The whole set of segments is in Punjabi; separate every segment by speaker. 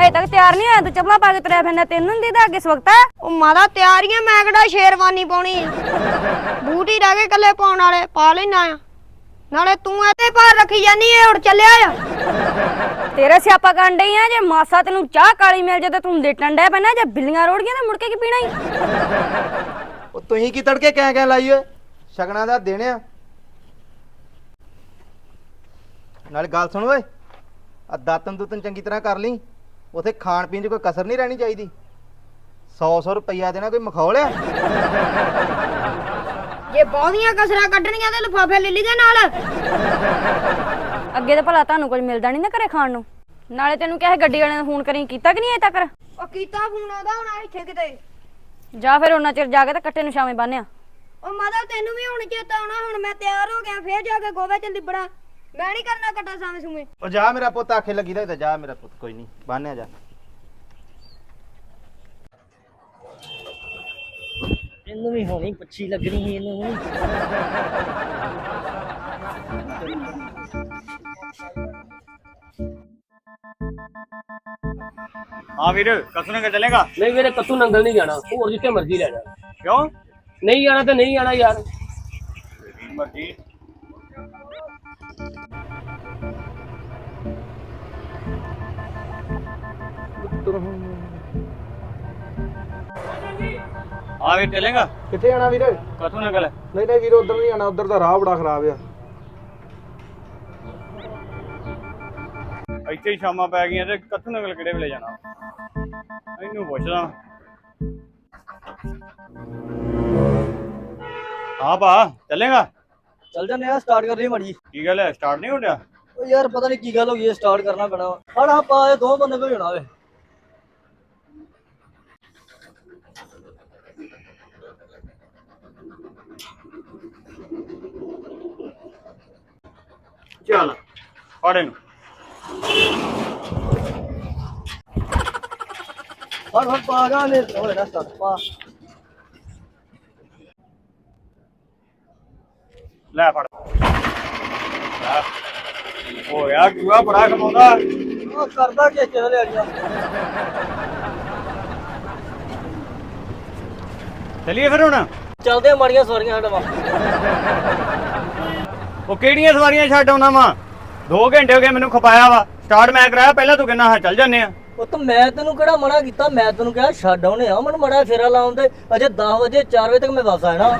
Speaker 1: ਅਜੇ ਤੱਕ ਤਿਆਰ ਨਹੀਂ ਹੋਇਆ, ਤੂੰ ਚੱਪਲਾਂ ਪਾ ਕੇ ਤੁਰਿਆ ਫਿਰਦਾ, ਤੈਨੂੰ ਨਹੀਂ ਦੀਦਾ ਅੱਗੇ ਸਵਖਤਾ।
Speaker 2: ਉਹ ਮਾਦਾ ਤਿਆਰੀਆਂ ਮੈਂ ਕਿਹੜਾ ਸ਼ੇਰਵਾਨੀ ਪਾਉਣੀ ਬੂਟ ਹੀ ਰਹਿ ਗਏ ਕੱਲੇ ਪਾਉਣ ਵਾਲੇ, ਪਾ ਲੈਣਾ ਆ। ਨਾਲੇ ਤੂੰ ਇਹਦੇ ਭਾਰ ਰੱਖੀ ਜਾਨੀ ਏ, ਉੜ ਚੱਲਿਆ ਆ।
Speaker 1: ਤੇਰਾ ਸਿਆਪਾ ਕਰਨ ਡਈ ਆ, ਜੇ ਮਾਸਾ ਤੈਨੂੰ ਚਾਹ ਕਾਲੀ ਮਿਲ ਜੇ ਤੇ ਤੂੰ ਲੇਟਣ ਡਿਆ ਪੈਣਾ, ਜੇ ਬਿੱਲੀਆਂ ਰੋੜ ਗਈਆਂ ਤੇ ਮੁੜ ਕੇ ਕੀ ਪੀਣਾ ਈ।
Speaker 3: ਉਹ ਤੁਸੀਂ ਕੀ ਤੜਕੇ ਕਹਿ ਲਾਈ ਓਏ, ਸ਼ਗਨਾਂ ਦਾ ਦਿਨ ਆ। ਨਾਲੇ ਗੱਲ ਸੁਣ ਓਏ, ਆ ਦਾਤਨ ਦੂਤਨ ਚੰਗੀ ਤਰ੍ਹਾਂ ਕਰ ਲਈ, ਉਥੇ ਖਾਣ ਪੀਣ 'ਚ ਕੋਈ ਕਸਰ ਨਹੀਂ ਰਹਿਣੀ ਚਾਹੀਦੀ। 100 ਰੁਪਈਆ ਦੇਣਾ ਕੋਈ ਮਖੌਲ ਆ।
Speaker 2: ਜੇ ਬਹੁਤੀਆਂ ਕਸਰਾਂ ਕੱਢਣੀਆਂ ਤੇ ਲਿਫਾਫੇ ਲੈ ਲਈ ਦੇ ਨਾਲ।
Speaker 1: ਅੱਗੇ ਤਾਂ ਭਲਾ ਤੁਹਾਨੂੰ ਕੁਝ ਮਿਲਦਾ ਨਹੀਂ ਨਾ ਘਰੇ ਖਾਣ ਨੂੰ। ਨਾਲੇ ਤੈਨੂੰ ਕਿਹਾ ਗੱਡੀ ਵਾਲਿਆਂ ਨੇ ਫੋਨ ਕਰੀ, ਕੀਤਾ ਕਿ ਨਹੀਂ ਅਜੇ ਤੱਕ?
Speaker 2: ਉਹ ਕੀਤਾ ਫੋਨ ਆਉਂਦਾ ਹੁਣ ਇੱਥੇ ਕਿਤੇ।
Speaker 1: ਜਾ ਫਿਰ ਉਹਨਾਂ ਚਿਰ ਜਾ ਕੇ ਤੇ ਕੱਟੇ ਨੂੰ ਛਾਵੇਂ ਬੰਨਿਆ।
Speaker 2: ਉਹ ਮਾਦਾ ਤੈਨੂੰ ਵੀ ਹੁਣ ਚੇਤਾ ਆਉਣਾ, ਹੁਣ ਮੈਂ ਤਿਆਰ ਹੋ ਗਿਆ, ਫੇਰ ਜਾ ਕੇ ਗੋਵੇ ਚ ਲਿਬੜਾ। ਮੈਂ ਨਹੀਂ ਕਰਨਾ ਕੱਟਾ ਸਾਵੇਂ ਸੂਵੇਂ।
Speaker 3: ਉਹ ਜਾ ਮੇਰਾ ਪੁੱਤ, ਆਖੇ ਲੱਗੀ ਦਾ ਜਾ ਮੇਰਾ ਪੁੱਤ, ਕੋਈ ਨਹੀਂ ਬੰਨਿਆ ਜਾ।
Speaker 4: ਇਹਨੂੰ ਵੀ ਹੋਣੀ ਪੱਛੀ ਲੱਗਣੀ ਸੀ ਇਹਨੂੰ ਵੀ।
Speaker 5: हाँ वीर कसू नंगल चलेगा?
Speaker 4: नहीं मेरे कत्तू नंगल नहीं जाना, और जितने मर्जी ले जा।
Speaker 5: क्यों?
Speaker 4: नहीं जाना तो नहीं जाना यार।
Speaker 5: मर्जी। हाँ वीर चलेगा?
Speaker 3: ਕਿੱਥੇ ਜਾਣਾ ਵੀਰ?
Speaker 5: कसू नंगल है।
Speaker 3: ਨਹੀਂ ਨਹੀਂ ਵੀਰ, ਉਧਰ ਨਹੀਂ ਜਾਣਾ, ਉਧਰ ਦਾ ਰਾਹ ਬੜਾ ਖਰਾਬ ਆ।
Speaker 5: ਇੱਥੇ ਹੀ ਸ਼ਾਮਾਂ ਪੈ ਗਈਆਂ ਤੇ कसू नंगल ਕਿਹੜੇ ਵੇਲੇ ਜਾਣਾ? ਇਹਨੂੰ ਪੁੱਛਦਾ। हाँ भा चलेगा?
Speaker 4: चल जाने यार, स्टार्ट कर रही मड़ी।
Speaker 5: की गल है, स्टार्ट नहीं हो गया?
Speaker 4: ओ यार पता नहीं की गल हो गई है, स्टार्ट करना पैना। हड़ हाँ पा दो बंदे को होना वे।
Speaker 5: चल फड़ इनू।
Speaker 4: हड़ पा जाने हो ना स्टार्ट पा।
Speaker 5: ਲੈ ਫੜ ਓ ਯਾਰ ਕਿਉਂ ਬੜਾ ਕਮਾਉਂਦਾ।
Speaker 4: ओ करदा के चल ले गया।
Speaker 5: ਚਲੀਏ ਫਿਰ ਹੁਣ।
Speaker 4: चलदे माड़ियां सवारियां साडा वा।
Speaker 5: ਉਹ ਕਿਹੜੀਆਂ ਸਵਾਰੀਆਂ ਛੱਡ ਆਉਣਾ ਵਾ? 2 ਘੰਟੇ ਹੋ ਗਏ ਮੈਨੂੰ ਖਪਾਇਆ ਵਾ, ਸਟਾਰਟ ਮੈਂ ਕਰਾਇਆ, ਪਹਿਲਾਂ ਤੂੰ ਕਹਿੰਦਾ ਹਾਂ ਚੱਲ ਜੰਨੇ ਆ।
Speaker 4: ਉਹ ਤਾਂ ਮੈਂ ਤੈਨੂੰ ਕਿਹੜਾ ਮਨਾ ਕੀਤਾ, ਮੈਂ ਤੈਨੂੰ ਕਿਹਾ ਛੱਡ ਆਉਣੇ ਆ, ਮੈਨੂੰ ਮੜਾ ਫੇਰਾ ਲਾਉਣ ਦੇ। ਅਜੇ 10 ਵਜੇ 4 ਵਜੇ ਤੱਕ ਮੈਂ ਵਾਪਸ ਆਣਾ।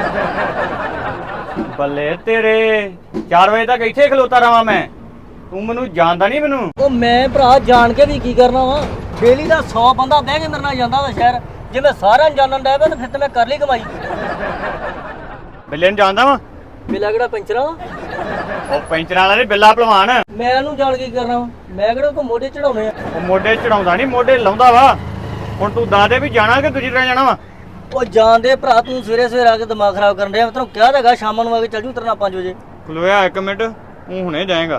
Speaker 5: ਬੱਲੇ ਤੇਰੇ, 4 ਵਜੇ ਤੱਕ ਇੱਥੇ ਖਲੋਤਾ ਰਵਾਂ ਮੈਂ? ਤੂੰ ਮੈਨੂੰ ਜਾਣਦਾ ਨਹੀਂ ਮੈਨੂੰ।
Speaker 4: ਉਹ ਮੈਂ ਭਰਾ ਜਾਣ ਕੇ ਵੀ ਕੀ ਕਰਨਾ ਵਾ? ਡੇਲੀ ਦਾ 100 ਬੰਦਾ ਬਹਿ ਕੇ ਮੇਰੇ ਨਾਲ ਜਾਂਦਾ ਵਾ ਸ਼ਹਿਰ। ਜੇ ਮੈਂ ਸਾਰਿਆਂ ਨੂੰ ਜਾਣਨ ਡਿਆ ਪਿਆ ਤਾਂ ਫਿਰ ਤੇ ਮੈਂ ਕਰ ਲਈ ਕਮਾਈ।
Speaker 5: ਬਿੱਲੇ ਨੂੰ ਜਾਣਦਾ ਵਾ?
Speaker 4: ਬਿੱਲਾ ਕਿਹੜਾ ਪੈਂਚਰਾਂ ਵਾ?
Speaker 5: ਉਹ ਪੈਂਚਰਾਂ ਵਾਲਾ ਨਹੀਂ, ਬਿੱਲਾ ਭਲਵਾਨ।
Speaker 4: ਮੈਂ ਇਹਨੂੰ ਜਾਣ ਕੇ ਕੀ ਕਰਨਾ ਵਾ? ਮੈਂ ਕਿਹੜਾ ਕੋ ਮੋਢੇ ਚੜਾਉਣੇ ਆ?
Speaker 5: ਉਹ ਮੋਢੇ ਚੜਾਉਂਦਾ ਨਹੀਂ, ਮੋਢੇ ਲਾਉਂਦਾ ਵਾ। ਹੁਣ ਤੂੰ ਦੱਸ ਦੇ ਵੀ ਜਾਣਾ ਕਿ ਦੂਜੀ ਤਰ੍ਹਾਂ ਜਾਣਾ ਵਾ?
Speaker 4: ਉਹ ਜਾਣਦੇ ਭਰਾ, ਤੂੰ ਸਵੇਰੇ ਸਵੇਰੇ ਆ ਕੇ ਦਿਮਾਗ ਖਰਾਬ ਕਰਨ ਡਿਆ। ਮੈਂ ਤੈਨੂੰ ਕਿਹਾ ਤਾਂ ਹੈਗਾ ਸ਼ਾਮਾਂ ਨੂੰ ਆ ਕੇ ਚੱਲ ਜੂ ਤੇਰੇ ਨਾਲ 5 ਵਜੇ।
Speaker 5: ਖਲੋਇਆ 1 ਮਿੰਟ, ਤੂੰ ਹੁਣੇ ਜਾਏਗਾ।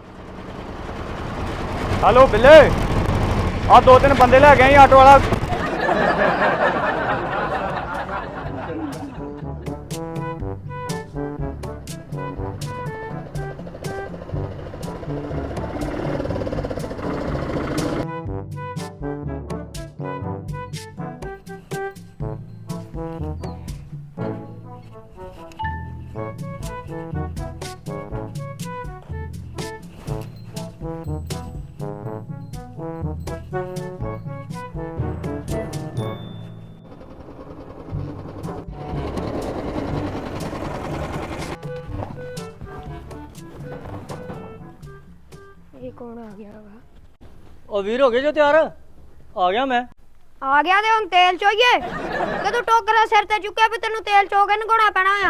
Speaker 5: ਹਲੋ ਬਿੱਲੇ, ਆ 2-3 ਬੰਦੇ ਲੈ ਗਏ ਆਟੋ ਵਾਲਾ।
Speaker 2: ਇਹ ਕੌਣ ਆ ਗਿਆ ਵਾ?
Speaker 4: ਉਹ ਵੀਰ ਹੋ ਗਏ ਜੋ ਤਿਆਰ? ਆ ਗਿਆ ਮੈਂ।
Speaker 2: ਆ ਗਿਆ ਤੇ ਹੁਣ ਤੇਲ ਚੋਈਏ ਕਿ ਤੂੰ ਟੋਕਰਾ ਸਿਰ ਤੇ ਚੁੱਕਿਆ ਵੀ ਤੈਨੂੰ ਤੇਲ ਚੋ ਕੇ ਨਗਾਉਣਾ ਪੈਣਾ ਆ?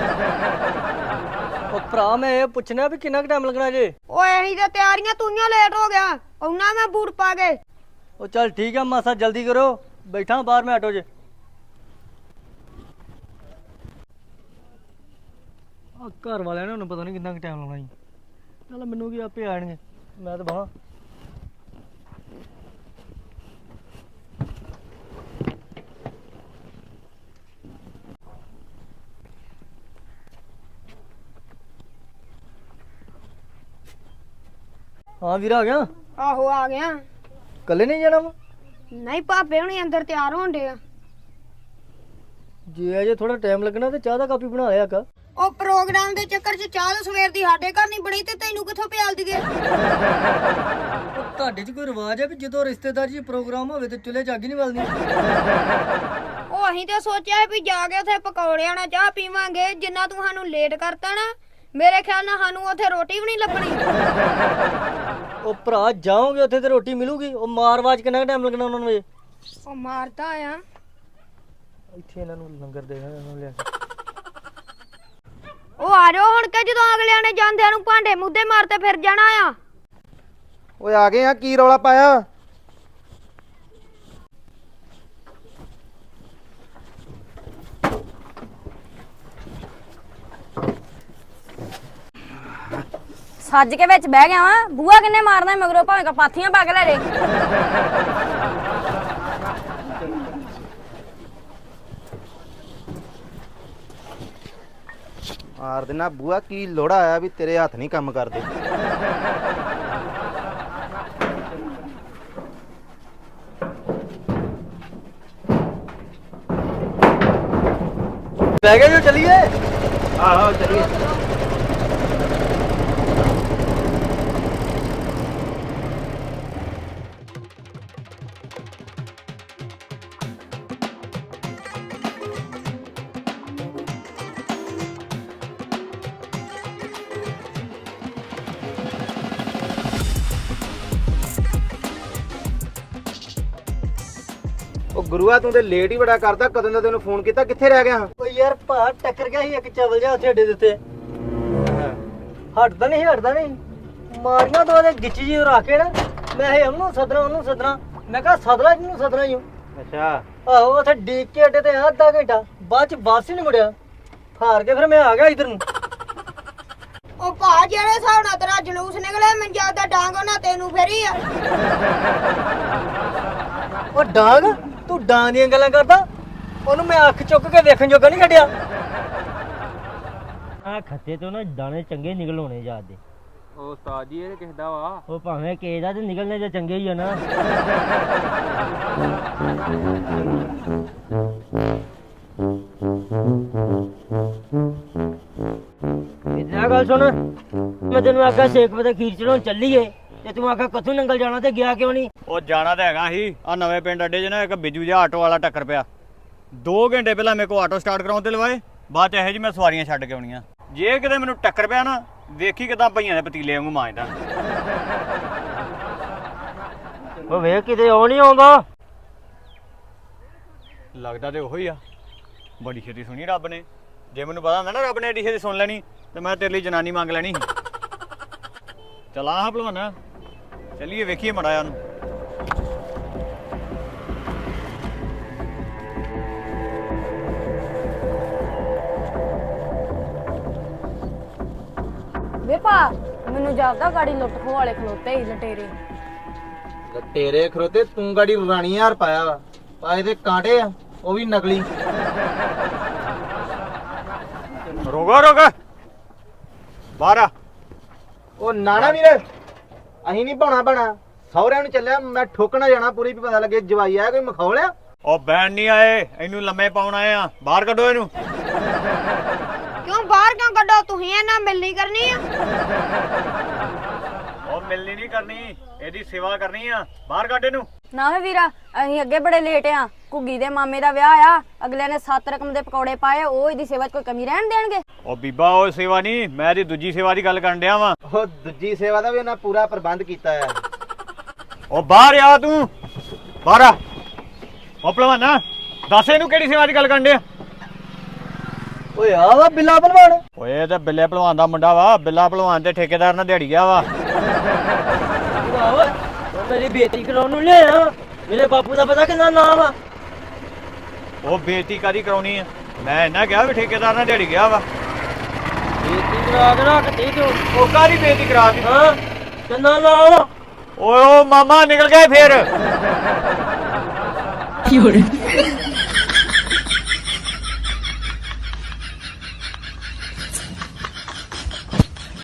Speaker 4: ਉਹ ਭਰਾ ਮੈਂ ਇਹ ਪੁੱਛਣਾ ਵੀ ਕਿੰਨਾ ਕੁ ਟਾਈਮ ਲੱਗਣਾ ਜੇ?
Speaker 2: ਓਏ ਅਸੀਂ ਤਾਂ ਤਿਆਰੀਆਂ ਤੂੰਆਂ ਲੇਟ ਹੋ ਗਿਆ, ਉਹਨਾਂ ਮੈਂ ਬੂਟ ਪਾ ਕੇ।
Speaker 4: ਉਹ ਚੱਲ ਠੀਕ ਆ ਮਾਸਾ, ਜਲਦੀ ਕਰੋ, ਬੈਠਾ ਬਾਹਰ ਮੈਂ ਆਟੋ 'ਚ। ਆ ਘਰ ਵਾਲਿਆਂ ਨੇ ਉਹਨੂੰ ਪਤਾ ਨਹੀਂ ਕਿੰਨਾ ਕੁ ਟਾਈਮ ਲਾਉਣਾ ਜੀ। ਚੱਲ ਮੈਨੂੰ ਕੀ, ਆਪੇ ਆਣਗੇ, ਮੈਂ ਤਾਂ ਬਾਹਾਂ। ਹਾਂ ਵੀਰ ਆ ਗਿਆ?
Speaker 2: ਆਹੋ ਆ ਗਿਆ।
Speaker 4: ਕੱਲੇ ਨਹੀਂ ਜਾਣਾ ਵਾ?
Speaker 2: ਨਹੀਂ ਭਾਪੇ ਹੁਣੀ ਅੰਦਰ ਤਿਆਰ ਹੋਣ ਡੇ ਆ।
Speaker 4: ਜੇ ਅਜੇ ਥੋੜਾ ਟਾਈਮ ਲੱਗਣਾ ਤੇ ਚਾਹ ਦਾ ਕਾਪੀ ਬਣਾ ਲਿਆ ਕਾ।
Speaker 2: ਉਹ ਪ੍ਰੋਗਰਾਮ ਦੇ ਚੱਕਰ 'ਚ ਚਾਹ ਤਾਂ ਸਵੇਰ ਦੀ ਸਾਡੇ ਘਰ ਨਹੀਂ ਬਣੀ ਤੇ ਤੈਨੂੰ ਕਿੱਥੋਂ ਪਿਆਲ ਦਈਏ?
Speaker 4: ਉਹ ਤੁਹਾਡੇ 'ਚ ਕੋਈ ਰਿਵਾਜ ਹੈ ਵੀ ਜਦੋਂ ਰਿਸ਼ਤੇਦਾਰ ਜੀ ਪ੍ਰੋਗਰਾਮ ਹੋਵੇ ਤੇ ਚੁੱਲ੍ਹੇ 'ਚ ਅੱਗ ਨਹੀਂ ਬਲਦੀ?
Speaker 2: ਉਹ ਅਸੀਂ ਤਾਂ ਸੋਚਿਆ ਵੀ ਜਾ ਕੇ ਉੱਥੇ ਪਕੌੜਿਆਂ ਨਾਲ ਚਾਹ ਪੀਵਾਂਗੇ। ਜਿੰਨਾ ਤੂੰ ਸਾਨੂੰ ਲੇਟ ਕਰਤਾ ਨਾ, ਮੇਰੇ ਖਿਆਲ ਨਾਲ ਸਾਨੂੰ ਉੱਥੇ ਰੋਟੀ ਵੀ ਨਹੀਂ ਲੱਭਣੀ।
Speaker 4: ਉਹ ਭਰਾ ਜਾਓਗੇ ਉੱਥੇ ਤੇ ਰੋਟੀ ਮਿਲੂਗੀ। ਉਹ ਮਾਰਵਾਜ ਕਿੰਨਾ ਟਾਈਮ ਲੱਗਣਾ ਉਹਨਾਂ ਨੂੰ? ਇਹ
Speaker 2: ਉਹ ਮਾਰਦਾ ਆ।
Speaker 4: ਇੱਥੇ ਇਹਨਾਂ ਨੂੰ ਲੰਗਰ ਦੇਣਾ ਇਹਨਾਂ ਨੂੰ ਲਿਆ ਕੇ।
Speaker 2: ਉਹ ਆ ਜਾਓ ਹੁਣ ਕਿ ਜਦੋਂ ਅਗਲਿਆਂ ਨੇ ਜਾਂਦਿਆਂ ਨੂੰ ਭਾਂਡੇ ਮੁੱਦੇ ਮਾਰਤੇ ਫਿਰ ਜਾਣਾ ਆ।
Speaker 3: ਓਏ ਆ ਗਏ ਆ, ਕੀ ਰੌਲਾ ਪਾਇਆ?
Speaker 1: ਸੱਜ ਕੇ ਵਿੱਚ ਬਹਿ ਗਿਆ ਵਾਂ। ਬੂਆ ਕਿੰਨੇ ਮਾਰਨਾ ਮਗਰੋਂ ਭਾਵੇਂ ਕਪਾਥੀਆਂ ਪਾ ਕੇ ਲੈ ਜੇ।
Speaker 3: ਮਾਰ ਦੇਣਾ ਬੂਆ, ਕੀ ਲੋੜਾ ਆਇਆ ਵੀ ਤੇਰੇ ਹੱਥ ਨਹੀਂ ਕੰਮ ਕਰਦੇ?
Speaker 4: ਬਹਿ ਗਏ ਜੋ ਚੱਲੀਏ।
Speaker 3: ਆਹੋ ਚੱਲੀਏ। ਉਹ ਗੁਰੂਆ ਤੂੰ ਤੇ ਲੇਟ ਹੀ ਬੜਾ ਕਰਦਾ। ਕਦੋਂ ਦਾ ਤੈਨੂੰ ਫੋਨ ਕੀਤਾ, ਕਿੱਥੇ ਰਹਿ ਗਿਆ?
Speaker 4: ਓ ਯਾਰ ਭਾ ਟੱਕਰ ਗਿਆ ਸੀ ਇੱਕ ਚਵਲ ਜਿਹਾ ਉੱਥੇ ਅੱਡੇ ਦੇ ਉੱਤੇ। ਹਟਦਾ ਨਹੀਂ ਮਾਰੀਆਂ ਦੋ ਦੇ ਗਿੱਚੀ ਜੀ ਰੱਖ ਕੇ ਨਾ। ਮੈਂ ਇਹ ਉਹਨੂੰ ਸਦਨਾ ਮੈਂ ਕਿਹਾ ਸਦਲਾ ਜਿਹਨੂੰ ਸਦਨਾ ਹੀ।
Speaker 3: ਅੱਛਾ।
Speaker 4: ਆਹੋ ਉੱਥੇ ਡੀਕ ਕੇ ਅੱਡੇ ਤੇ ਅੱਧਾ ਘੰਟਾ ਬਾਅਦ ਚ ਵਾਪਸ ਹੀ ਨਹੀਂ ਮੁੜਿਆ। ਹਾਰ ਕੇ ਫਿਰ ਮੈਂ ਆ ਗਿਆ ਇਧਰ ਨੂੰ।
Speaker 2: ਉਹ ਭਾ ਜਿਹੜੇ ਹਿਸਾਬ ਨਾਲ ਤੇਰਾ ਜਲੂਸ ਨਿਕਲਿਆ, ਮੈਨੂੰ ਜਿਆਦਾ ਡਾਂਗ ਉਹਨਾਂ ਤੈਨੂੰ ਫੇਰੀ ਆ।
Speaker 4: ਉਹ ਡਾਂਗ, ਤੂੰ ਡਾਂਗ ਦੀਆਂ ਗੱਲਾਂ ਕਰਦਾ? ਉਹਨੂੰ ਮੈਂ ਅੱਖ ਚੁੱਕ ਕੇ ਵੇਖਣ ਜੋਗਾ ਨਹੀਂ ਛੱਡਿਆ।
Speaker 6: ਆ ਖੱਤੇ ਤੋਂ ਨਾ ਦਾਣੇ ਚੰਗੇ ਨਿਕਲ ਹੋਣੇ ਜਾਂਦੇ।
Speaker 7: ਉਹ ਉਸਤਾਦ ਜੀ ਇਹ ਕਿਸਦਾ ਵਾ?
Speaker 6: ਉਹ ਭਾਵੇਂ ਕਿਸੇ ਦਾ ਤੇ ਨਿਕਲਣੇ ਤਾਂ ਚੰਗੇ ਹੀ ਆ ਨਾ। ਇਦਾਂ ਗੱਲ ਸੁਣ, ਮੈਂ ਤੈਨੂੰ ਆਖਿਆ 6 ਵਜੇ ਖੀਰ ਚੜਾਉਣ ਚੱਲੀਏ ਤੇ ਤੂੰ ਆਖਿਆ ਕਥੋਂ ਨੰਗਲ ਜਾਣਾ ਤੇ ਗਿਆ ਕਿਉਂ ਨਹੀਂ?
Speaker 5: ਉਹ ਜਾਣਾ ਤਾਂ ਹੈਗਾ ਸੀ। ਆ ਨਵੇਂ ਪਿੰਡ ਅੱਡੇ 'ਚ ਨਾ ਇੱਕ ਬਿੱਜੂ ਜਿਹਾ ਆਟੋ ਵਾਲਾ ਟੱਕਰ ਪਿਆ। 2 ਘੰਟੇ ਪਹਿਲਾਂ ਮੇਰੇ ਕੋਲ ਆਟੋ ਸਟਾਰਟ ਕਰਾਉਣ ਤੇ ਲਵਾਏ, ਬਾਅਦ 'ਚ ਇਹੋ ਜਿਹੀ ਮੈਂ ਸਵਾਰੀਆਂ ਛੱਡ ਕੇ ਆਉਣੀਆਂ। ਜੇ ਕਿਤੇ ਮੈਨੂੰ ਟੱਕਰ ਪਿਆ ਨਾ, ਵੇਖੀ ਕਿਦਾਂ ਭਈਆਂ ਦੇ ਪਤੀਲੇ ਵਾਂਗੂ ਮਾਂਜਦਾ।
Speaker 6: ਉਹ ਵੇਖ ਕਿਤੇ ਉਹ ਨਹੀਂ ਆਉਂਦਾ।
Speaker 5: ਲੱਗਦਾ ਤੇ ਉਹੀ ਆ। ਬੜੀ ਛੇਤੀ ਸੁਣੀ ਰੱਬ ਨੇ। ਜੇ ਮੈਨੂੰ ਪਤਾ ਹੁੰਦਾ ਨਾ ਰੱਬ ਨੇ ਏਡੀ ਛੇਤੀ ਸੁਣ ਲੈਣੀ ਤੇ ਮੈਂ ਤੇਰੇ ਲਈ ਜਨਾਨੀ ਮੰਗ ਲੈਣੀ। ਚਲਾ ਹਾਂ ਭਲਵਾਨਾ, ਚੱਲੀਏ ਵੇਖੀਏ ਮੜਾ ਉਹਨੂੰ।
Speaker 1: ਵੇ ਭਾ ਮੈਨੂੰ ਜਾਪਦਾ ਗਾੜੀ ਲੁੱਟ ਖੋ ਵਾਲੇ ਖਲੋਤੇ ਹੀ ਲਟੇਰੇ।
Speaker 3: ਤੇਰੇ ਖਰੋਤੇ ਤੂੰ ਗਾੜੀ ਰਾਣੀ ਹਾਰ ਪਾਇਆ ਵਾ। ਪਾਏ ਤੇ ਕਾਂਟੇ ਆ, ਉਹ ਵੀ ਨਕਲੀ।
Speaker 5: ਰੋਕ ਬਾਹਰ ਆ।
Speaker 3: ਉਹ ਨਾਣਾ ਵੀਰ, ਅਹੀਂ ਨਹੀਂ ਪਾਉਣਾ ਬਣਾ। ਸਹੁਰਿਆਂ ਨੂੰ ਚੱਲਿਆ ਮੈਂ, ਠੋਕਣਾ ਜਾਣਾ ਪੂਰੀ ਵੀ ਪਤਾ ਲੱਗੇ ਜਵਾਈ ਆਇਆ ਕੋਈ ਮਖੌਲਿਆ।
Speaker 5: ਉਹ ਬੈਣ ਨਹੀਂ ਆਏ, ਇਹਨੂੰ ਲੰਮੇ ਪਾਉਣ ਆਏ ਆ। ਬਾਹਰ ਕੱਢੋ ਇਹਨੂੰ।
Speaker 2: ਕਿਉਂ ਬਾਹਰ ਕਿਉਂ ਕੱਢੋ? ਤੁਸੀਂ ਇਹਨਾਂ ਮਿਲਣੀ ਕਰਨੀ ਆ।
Speaker 5: ਉਹ ਮਿਲਣੀ ਨਹੀਂ ਕਰਨੀ, ਇਹਦੀ ਸੇਵਾ ਕਰਨੀ ਆ। ਬਾਹਰ ਕੱਢ ਇਹਨੂੰ।
Speaker 1: ਨਾ ਵੇ ਵੀਰਾ, ਅਸੀਂ ਅੱਗੇ ਬੜੇ ਲੇਟ ਆ। ਘੁੱਗੀ ਦੇ ਮਾਮੇ ਦਾ ਵਿਆਹ ਆ, ਅਗਲੇ ਨੇ 7 ਰਕਮ ਦੇ ਪਕੌੜੇ ਪਾਏ। ਉਹ ਇਹਦੀ ਸੇਵਾ 'ਚ ਕੋਈ ਕਮੀ ਰਹਿਣ ਦੇਣਗੇ?
Speaker 5: ਉਹ ਬੀਬਾ ਉਹ ਸੇਵਾ ਨਹੀਂ, ਮੈਂ ਇਹਦੀ ਦੂਜੀ ਸੇਵਾ ਦੀ ਗੱਲ ਕਰਨ ਡਿਆ ਵਾਂ।
Speaker 3: ਉਹ ਦੂਜੀ ਸੇਵਾ ਦਾ ਵੀ ਉਹਨਾਂ ਪੂਰਾ ਪ੍ਰਬੰਧ ਕੀਤਾ ਆ।
Speaker 5: ਉਹ ਬਾਹਰ ਆ ਤੂੰ, ਬਾਹਰ ਆ। ਉਹ ਭਲਵਾਨਾ ਦੱਸ ਇਹਨੂੰ ਕਿਹੜੀ ਸੇਵਾ ਦੀ ਗੱਲ ਕਰਨ ਡਿਆ?
Speaker 4: ਓਏ ਆ ਵਾ ਬਿੱਲਾ ਭਲਵਾਨ।
Speaker 5: ਓਏ ਇਹ ਤਾਂ ਬਿੱਲੇ ਭਲਵਾਨ ਦਾ ਮੁੰਡਾ ਵਾ। ਬਿੱਲਾ ਭਲਵਾਨ ਤੇ ਠੇਕੇਦਾਰ ਨਾਲ ਦਿਹਾੜੀ ਗਿਆ ਵਾ।
Speaker 6: ਮੇਰੀ ਬੇਇੱਜ਼ਤੀ ਕਰਾਉਣ ਨੂੰ ਲਿਆ। ਮੇਰੇ ਬਾਪੂ ਦਾ ਪਤਾ ਕਿੰਨਾ ਨਾਮ ਆ।
Speaker 5: ਉਹ ਬੇਇੱਜ਼ਤੀ ਕਾਦੀ ਕਰਾਉਣੀ ਆ? ਮੈਂ ਇਹਨਾਂ ਕਿਹਾ ਵੀ ਠੇਕੇਦਾਰ ਨਾਲ ਦਿਹਾੜੀ ਗਿਆ ਵਾ।
Speaker 6: ਬੇਇੱਜ਼ਤੀ ਕਰਾ ਕੇ ਰੱਖਤੀ ਤੂੰ।
Speaker 5: ਉਹ ਕਾਦੀ ਬੇਇੱਜ਼ਤੀ ਕਰਾ ਦਿੱਤੀ?
Speaker 6: ਹਾਂ ਕਿੰਨਾ ਨਾਮ ਆ?
Speaker 5: ਓਏ ਉਹ ਮਾਮਾ ਨਿਕਲ ਗਏ ਫੇਰ।